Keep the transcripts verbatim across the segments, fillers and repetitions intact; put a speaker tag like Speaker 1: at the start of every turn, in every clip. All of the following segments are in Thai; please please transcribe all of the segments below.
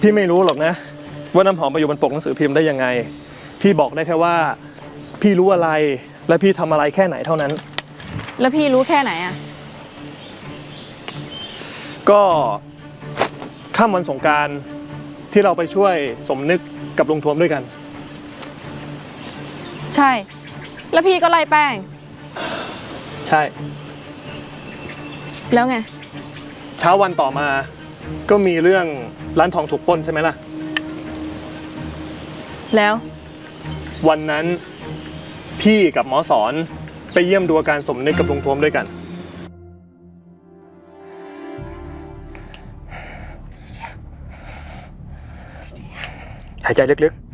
Speaker 1: พี่ไม่รู้หรอกนะว่าน้ำหอมไปอยู่บนปกหนังสือพิมพ์ได้ยังไงพี่บอกได้แค่ว่าพี่รู้อะไรและพี่ทำอะไรแค่ไหนเท่านั้น
Speaker 2: แล้วพี่รู้แค่ไหนอ่ะ
Speaker 1: ก็ค่ำวันสงกรานต์ที่เราไปช่วยสมนึกกับลุงทวมด้วยกัน
Speaker 2: ใช่แล้วพี่ก็ไล่แป้ง
Speaker 1: ใช่
Speaker 2: แล้วไง
Speaker 1: เช้าวันต่อมาก็มีเรื่องร้านทองถูกปล้นใช่ไหมล่ะ
Speaker 2: แล้ว
Speaker 1: วันนั้นพี่กับหมอสอนไปเยี่ยมดูอาการสมนึกกับลุงทวมด้วยกัน
Speaker 3: หายใจลึกๆ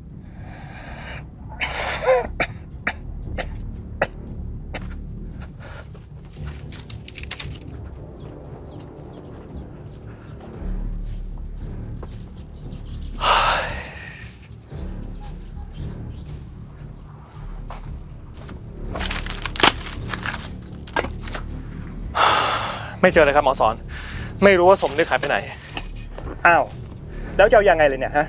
Speaker 1: ไม่เจอเลยครับหมอสอนไม่รู้ว่าสมนึกหายไปไหน
Speaker 3: อ้าวแล้วจะเอายังไงเลยเนี่ยฮะ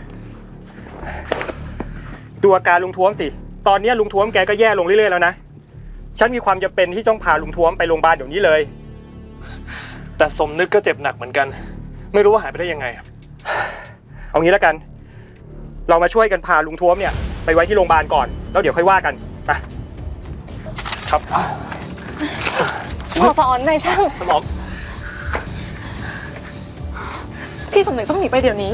Speaker 3: ดูอาการลุงท้วมสิตอนนี้ลุงท้วมแกก็แย่ลงเรื่อยๆแล้วนะฉันมีความจำเป็นที่ต้องพาลุงท้วมไปโรงพยาบาลเดี๋ยวนี้เลย
Speaker 1: แต่สมนึกก็เจ็บหนักเหมือนกันไม่รู้ว่าหายไปได้ยังไง
Speaker 3: เอางี้แล้วกันเรามาช่วยกันพาลุงท้วมเนี่ยไปไว้ที่โรงพยาบาลก่อนแล้วเดี๋ยวค่อยว่ากันไป
Speaker 1: ครับ
Speaker 2: หมอสอนนายช่าง
Speaker 1: หมอ
Speaker 2: พี่สมนึกต้องหนีไปเดี๋ยวนี้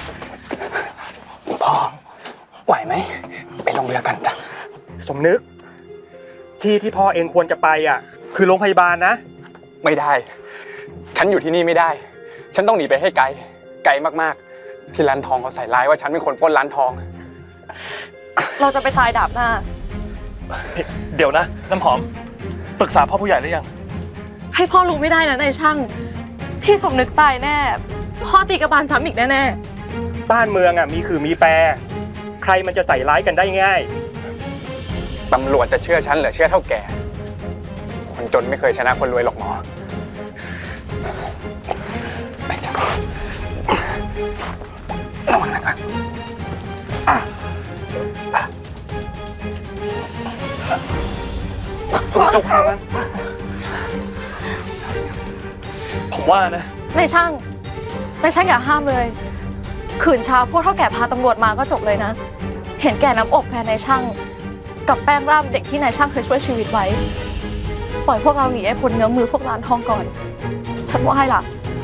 Speaker 4: พ่อไหวไหมไปลงเรือกันจ้ะ
Speaker 3: สมนึกที่ที่พ่อเองควรจะไปอ่ะคือโรงพยาบาลนะ
Speaker 4: ไม่ได้ฉันอยู่ที่นี่ไม่ได้ฉันต้องหนีไปให้ไกลไกลมากๆที่ร้านทองเขาใส่ร้ายว่าฉันเป็นคนปล้นร้านทอง
Speaker 2: เราจะไปทรายดาบหน้า
Speaker 1: เดี๋ยวนะน้ำหอมปรึกษาพ่อผู้ใหญ่หรือยัง
Speaker 2: ให้พ่อรู้ไม่ได้นะนายช่างพี่สมนึกตายแน่พ่อตีกระบาลซ้ำอีกแน่
Speaker 3: ๆบ้านเมืองอ่ะมีคือมีแปรใครมันจะใส่ร้ายกันได้ง่าย
Speaker 4: ตำรวจจะเชื่อฉันหรือเชื่อเท่าแก่คนจนไม่เคยชนะคนรวยหรอกหมอไปจ้ะระวังนะจ๊ะ
Speaker 3: ตกทางนั้น
Speaker 1: ผมว่านะ
Speaker 2: นายช่างนายช่างอย่าห้ามเลยขืนเช้าพวกเท่าแก่พาตำรวจมาก็จบเลยนะเห็นแก่น้ำอกแฟนนายช่างกับแป้งร่ามเด็กที่นายช่างเคยช่วยชีวิตไว้ปล่อยพวกเราหนีไอ้พ้นเนื้อมือพวกร้านทองก่อนฉันว่าให้ล่ะ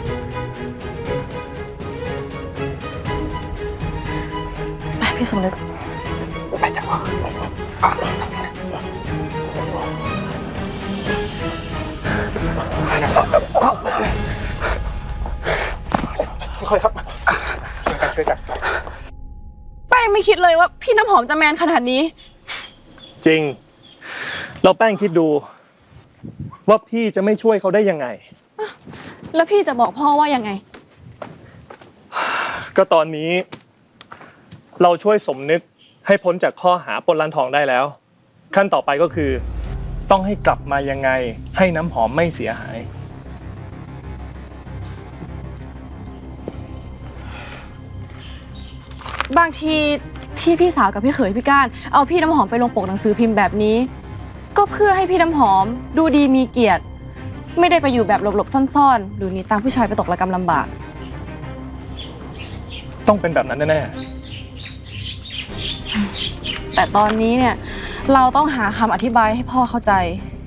Speaker 2: ไปพี่สมนึก
Speaker 4: ไปจ้ะ
Speaker 3: ค่อยครับช่วยกันช่วยกัน
Speaker 2: แป้งไม่คิดเลยว่าพี่น้ำหอมจะแมนขนาดนี้
Speaker 1: จริงเราแป้งคิดดูว่าพี่จะไม่ช่วยเขาได้ยังไง
Speaker 2: แล้วพี่จะบอกพ่อว่ายังไง
Speaker 1: ก็ตอนนี้เราช่วยสมนึกให้พ้นจากข้อหาปล้นร้านทองได้แล้วขั้นต่อไปก็คือต้องให้กลับมายังไงให้น้ำหอมไม่เสียหาย
Speaker 2: บางทีที่พี่สาวกับพี่เขยพี่ก้านเอาพี่น้ำหอมไปลงปกหนังสือพิมพ์แบบนี้ก็เพื่อให้พี่น้ำหอมดูดีมีเกียรติไม่ได้ไปอยู่แบบหลบๆซ่อนๆหรือหนีตามผู้ชายไปตกระกำลำบาก
Speaker 1: ต้องเป็นแบบนั้นแน่
Speaker 2: ๆแต่ตอนนี้เนี่ยเราต้องหาคำอธิบายให้พ่อเข้าใจ